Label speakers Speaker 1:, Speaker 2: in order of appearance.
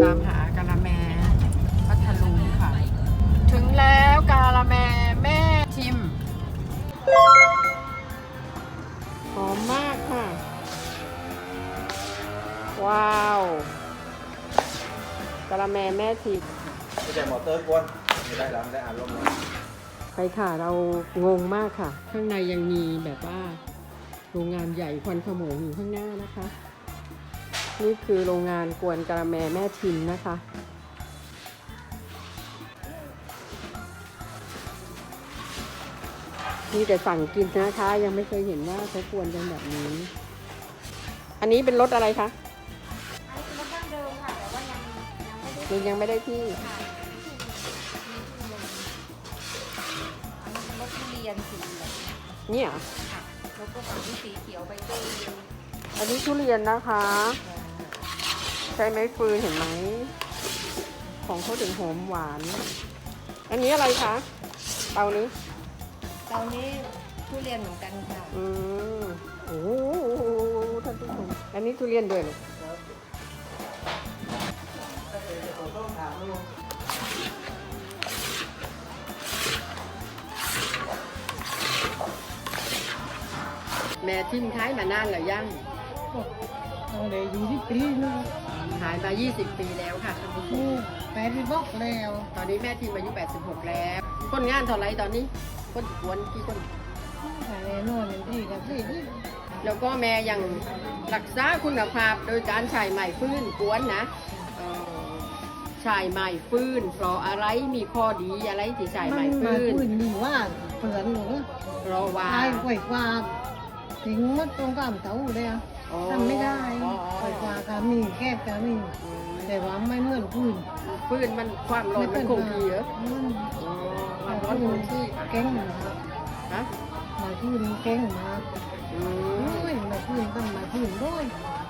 Speaker 1: ตามหากะละแมพัทลุงค่ะถึงแล้วกะละแมแม่ทิมหอมมากค่ะว้าวกะละแมแม่ทิม
Speaker 2: ไม่ใช่มอเตอร์กวนไม่ได้แล้วไม่ได้อ่านลมเลย
Speaker 1: ไปค่ะเรางงมากค่ะข้างในยังมีแบบว่าโรงงานใหญ่ควันขโมงอยู่ข้างหน้านะคะนี่คือโรงงานกวนกะละแมแม่ทิมนะคะนี่แต่สั่งกินนะคะยังไม่เคยเห็นว่าเขากวนกันแบบนี้อันนี้เป็นรสอะไรคะ
Speaker 3: อันนี้เป็นรสดั้งเดิมค่ะแต่ว่า
Speaker 1: ยังไม่ได้ที่
Speaker 3: รสทุเรียนสีเหลือง
Speaker 1: เนี่ย
Speaker 3: ค่ะแล้วก็ฝั่งที่สีเขียวใบเตย
Speaker 1: อันนี้ทุเรียนนะคะใช้ไม้ฟืนเห็นไหมของเขาถึงหอมหวานอันนี้อะไรคะเตานี้
Speaker 3: ตอนนี้ทุเรียนเหมือนกันค่ะ
Speaker 1: โอ้โหท่านผู้ชมอันนี้ทุเรียนด้วยเหรอแม่ทิ้งท้ายมานานหรือยัง
Speaker 4: ตั้งแต่20 ปีนะ
Speaker 1: ขายมา20 ปีแล้วค่ะท่านผู้ชม
Speaker 4: 86แล้ว
Speaker 1: ตอนนี้แม่ทีมอายุ86แล้วคนงานเท่าไรตอนนี้คนกวนกี่คน
Speaker 4: แต่แน่นอนที่กับที่
Speaker 1: แล้วก็แม่ยังรักษาคุณภาพโดยการใช้ไม้ฟื้นกวนนะใช้ไม้ฟื้นเพราะอะไรมีข้อดีอะไรที่ใช้ไม้
Speaker 4: มา
Speaker 1: ฟื้น
Speaker 4: พื้นดีว่าเปลือนหนู
Speaker 1: เพราะว่า
Speaker 4: ตายกว่ากว่าถึงมัดตรงกลางเสาเลยอ่ะทำไม่ได้กว่ากว่าก็มีแคบก็มีแต่ว่าไม่เหมือนพื้น
Speaker 1: ฟื้นมันความร้อนมันคงที่เหรอ ความร้อนคงที่
Speaker 4: เก่งมาก
Speaker 1: ฮะ
Speaker 4: มาพื้นเก่งมาก
Speaker 1: อื
Speaker 4: โอ้
Speaker 1: ม
Speaker 4: ยมาพื้นต้องมาพื้นด้วย